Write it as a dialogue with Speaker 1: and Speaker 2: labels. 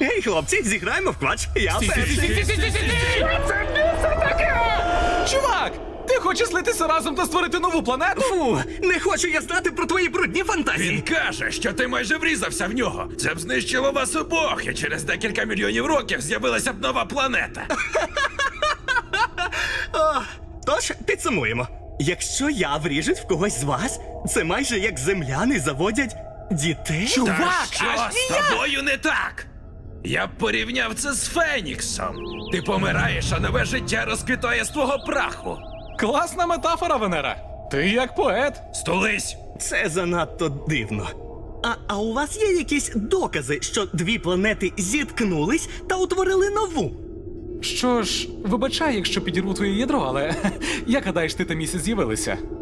Speaker 1: Ей, хлопці, зіграємо в квач. Я перший.
Speaker 2: Це місце таке! Чувак, ти хочеш злитися разом та створити нову планету?
Speaker 1: Фу, не хочу я знати про твої брудні фантазії.
Speaker 3: Він каже, що ти майже врізався в нього. Це б знищило вас обох, і через декілька мільйонів років з'явилася б нова планета.
Speaker 1: Тож, підсумуємо. Якщо я вріжусь в когось з вас, це майже як земляни заводять дітей.
Speaker 3: Та що з тобою не так? Я б порівняв це з Феніксом. Ти помираєш, а нове життя розквітає з твого праху.
Speaker 2: Класна метафора, Венера. Ти як поет.
Speaker 3: Стулись!
Speaker 1: Це занадто дивно. А у вас є якісь докази, що дві планети зіткнулись та утворили нову?
Speaker 2: Що ж, вибачай, якщо підірву твоє ядро, але як гадаєш, ти та місяць з'явилися?